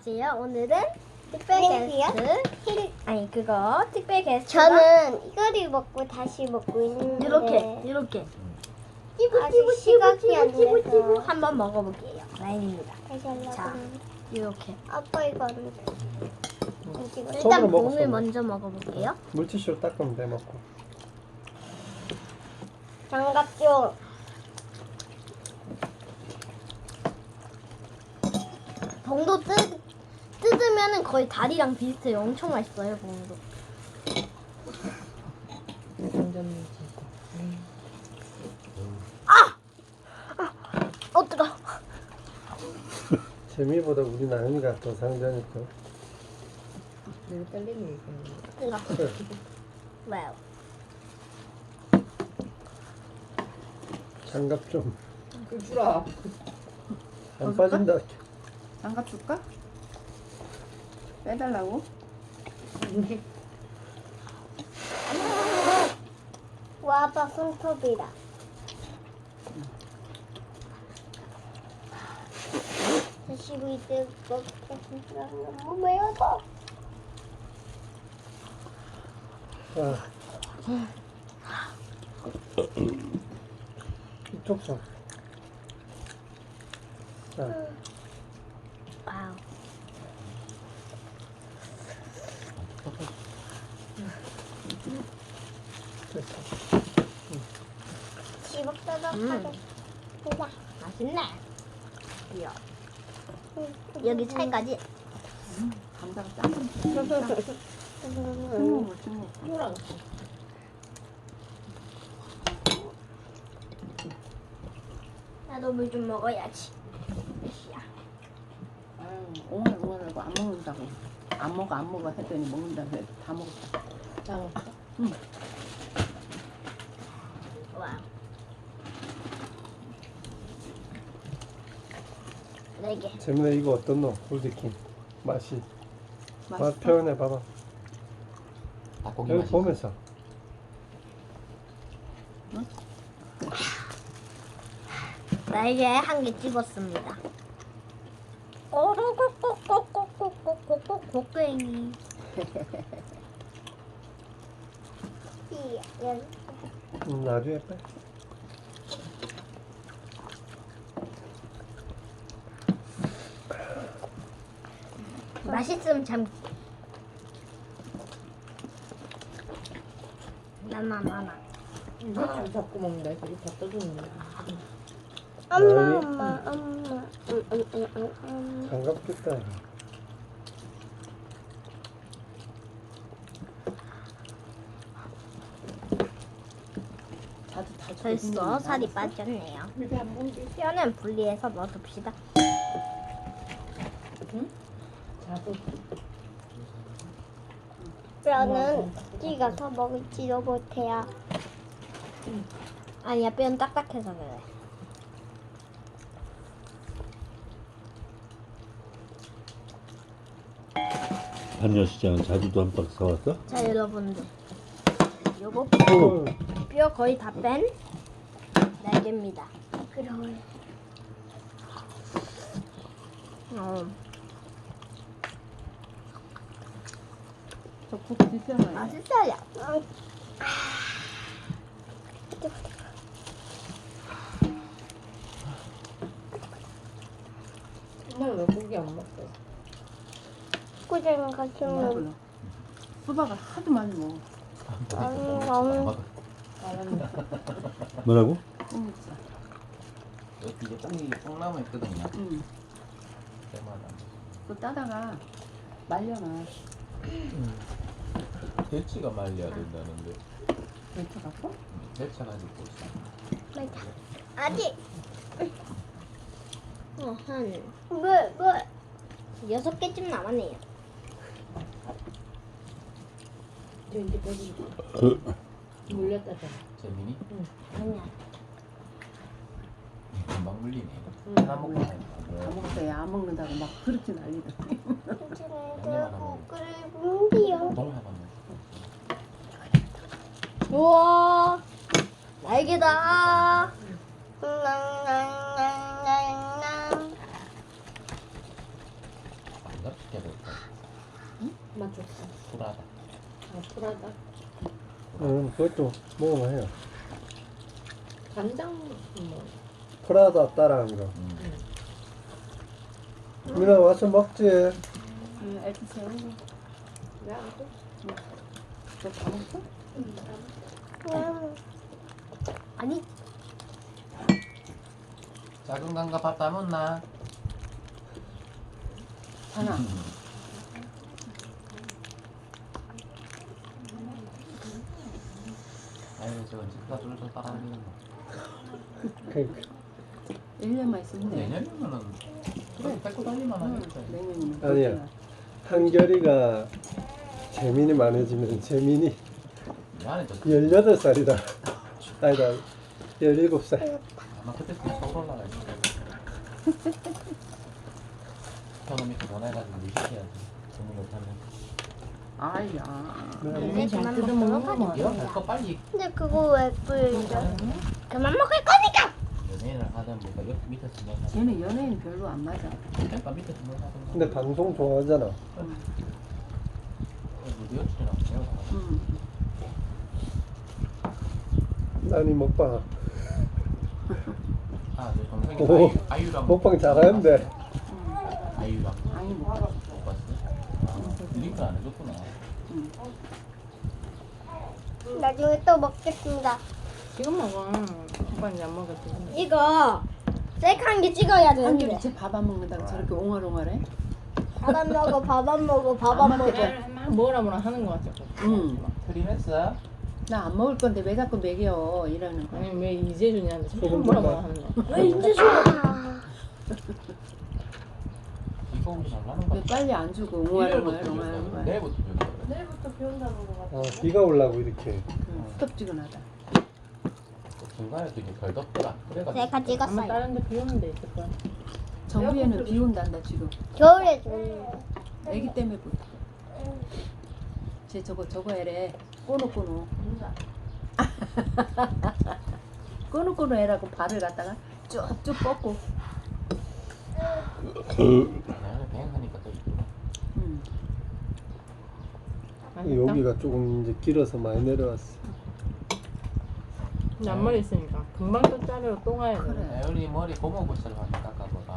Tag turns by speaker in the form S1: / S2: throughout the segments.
S1: 안녕하세요. 오늘은 특별 게스트 특별 게스트
S2: 저는 이거를 먹고 다시 먹고 있는데
S1: 이렇게
S2: 아직 시각이 안 돼서
S1: 한번 먹어볼게요. 라인입니다.
S2: 다시 하려고
S1: 자.
S2: 하는데
S1: 이렇게
S2: 아빠 이거 안 돼. 안 찍어.
S1: 일단
S3: 손으로
S1: 봉을
S3: 먹었어.
S1: 먼저 먹어볼게요.
S3: 물티슈로 닦으면 돼 먹고.
S2: 장갑 좀.
S1: 봉도 뜯으면은 거의 다리랑 비슷해요. 엄청 맛있어요, 봉도. 뜨거.
S3: 재미보다 우리 나연이가 더 상대하니까.
S1: 뜨거.
S3: 그래.
S1: 와우.
S3: 장갑 좀 안
S4: 그 주라.
S3: 빠진다.
S4: 장갑 줄까? 빼달라고?
S2: 와 아빠 손톱이다. 드시고 있을 것 같은데 너무 매워서.
S3: 자. 이쪽 손. 자,
S1: 와우.
S3: 됐어.
S2: 지벅다벅하게.
S1: 맛있네. 이야. 여기 찰까지.
S4: 감자가 짱. 먹어, 먹어.
S1: 나도 물 좀 먹어야지.
S4: 아유, 오늘하고 안 먹는다고. 안 먹어 했더니 먹는다고 해도 다 먹었다. 다 먹었어? 응.
S1: 와우. 4개.
S3: 재민아 이거 어떻노? 홀리킨 맛이. 맛
S4: 맛있어?
S3: 표현해 봐봐.
S5: 닭고기
S3: 여기
S5: 맛있어.
S3: 보면서.
S1: 날개 한 개 집었습니다. 곡괭이.
S3: 나중에 빼.
S1: 맛있으면 참. 나나.
S4: 자꾸 먹는다. 이렇게 다 떠주는
S2: 엄마.
S3: 장갑 꼈다.
S1: 벌써 살이 빠졌네요. 뼈는 분리해서 넣어둡시다.
S2: 뼈는 찍어서 먹을지도 못해요.
S1: 아니야, 뼈는 딱딱해서 그래.
S5: 한여시장은 자주도 한 박스 사왔어?
S1: 자, 여러분들. 요거
S3: 어.
S1: 뼈 거의 다 뺀 날개입니다.
S2: 그럼
S4: 저국 드시잖아요.
S1: 맛있어요.
S4: 정말 왜 고기 안 먹어?
S2: 고생 같으면
S4: 수박을 하도 많이 먹어.
S5: 뭐라고?
S4: 꽁치.
S5: 이게 똥이 남아 있거든요.
S4: 응.
S5: 때마다.
S4: 또 따다가 말려놔.
S5: 대치가 말려야 된다는데.
S4: 데쳐 갖고?
S5: 대차 가지고 있어.
S1: 아직 한
S2: 뭘
S1: 6개쯤 남았네요.
S5: 재민이?
S1: 아니야.
S5: 금방 물리네. 하나 먹고
S4: 다 먹었어. 안 먹는다고 막 그렇게 난리더니.
S2: 괜찮아요. 끓을 분기요.
S5: 똥 하나 먹고.
S1: 우와, 날개다.
S2: 낭낭낭낭낭.
S6: 이거 시켜야 될까?
S1: 맞죠?
S6: 불하다.
S1: 프라다.
S3: 그것도 먹으면 해요.
S1: 간장 뭐.
S3: 프라다 따라한 거. 민아 와서 먹지.
S4: 애기 새우고.
S1: 야, 또
S4: 너다 먹었어?
S2: 아니
S6: 작은 강가 밥 다 먹나?
S4: 하나.
S6: 아유 저거 집가 줄서 따라다니는 거.
S3: 그러니까
S4: 1년만 있으면 돼.
S6: 내년이면은 그래 뺏고 달리만 하겠다.
S4: 내년이면.
S3: 아니야. 한결이가 재민이 많아지면 재민이
S6: 미안해 저
S3: 18살이다. 아니다. 17살.
S6: 아마 그때쯤 서울 올라갈 거야. 현우 밑에 보내가지고 유식해야지. 돈이 못하면.
S4: 아야.
S2: 이제 그만 먹도록 하자.
S6: 이런 할거 빨리
S2: 근데 그거 왜 뿌리죠? 그만 먹을 거니까.
S6: 연예인을 하든 뭐가 옆 밑에서 뭐 하든.
S4: 쟤는 연예인 별로 안 맞아.
S6: 약간 밑에서 뭐 하든.
S3: 근데 방송 좋아하잖아.
S6: 우리 여친이랑 제가 다
S4: 응.
S3: 나니 먹방.
S6: 내 동생이
S3: 오,
S6: 아유랑
S3: 먹방 잘하는데.
S6: 아유랑
S4: 아니 못 봤어.
S6: 못 봤어? 링크 안 해줬구나.
S2: 나중에 또 먹겠습니다.
S1: 지금 먹어. 오빠 이제 안 먹었지.
S2: 이거 셀카한 게 찍어야 되는데.
S4: 한결이 쟤밥 안 먹는다고 저렇게 옹알옹알해?
S2: 밥 안 먹어, 밥 안 먹어, 밥
S4: 안
S2: 안 먹어.
S1: 막 먹으라 뭐라 하는 거 같아.
S4: 응.
S6: 트림했어?
S4: 나 안 먹을 건데 왜 자꾸 먹여 이러는 거야.
S1: 아니 왜 이재준이한테
S3: 소금
S1: 뭐라
S3: 좀
S1: 뭐라 하는 거야.
S2: 왜 이제 좋아?
S6: 이거 우리 잘 나는 거
S4: 왜 빨리 안 주고 옹알옹알 옹알옹알.
S6: 내일부터 배운다.
S1: 내일부터 비 온다고.
S3: 아, 비가 올라고 이렇게.
S4: 후덥지근하다.
S6: 중간에 또 이게 덜 덥더라. 그래가지고
S2: 셀카
S1: 아마
S2: 찍었어요.
S1: 다른 데 비 오는 데 있을 거야.
S4: 정부에는 비 온단다 지금.
S2: 겨울에 좀.
S4: 애기 때문에 못. 쟤 저거 해래. 꼬노꼬노. 꼬노꼬노 해라고 발을 갖다가 쭉쭉 뻗고.
S6: 내가 비행하니까 또 이쁘다.
S3: 여기가 조금 이제 길어서 많이 내려왔어.
S1: 근데 앞머리 있으니까 금방 또 자르러 또 가야 돼.
S4: 그래.
S6: 애월이 머리 고무부스를 한번 깎아보다.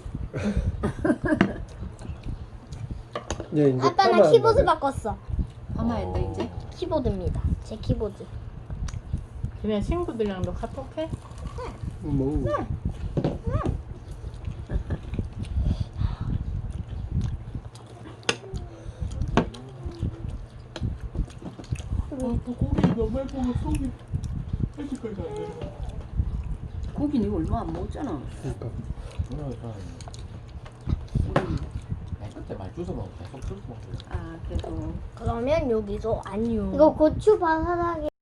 S3: 이제
S2: 아빠
S3: 파마
S2: 나 키보드
S3: 한다네.
S2: 바꿨어.
S4: 파마했네 이제.
S2: 키보드입니다. 제 키보드.
S1: 그냥 친구들이랑도 카톡해?
S3: 뭐.
S4: 고기는 이거 얼마 안 먹었잖아.
S3: 그러니까.
S6: 오늘 저는 그때 말 주워 먹고 계속 주워 먹고.
S4: 아 그래도.
S2: 그러면 여기서 안녕. 이거 고추 바사삭이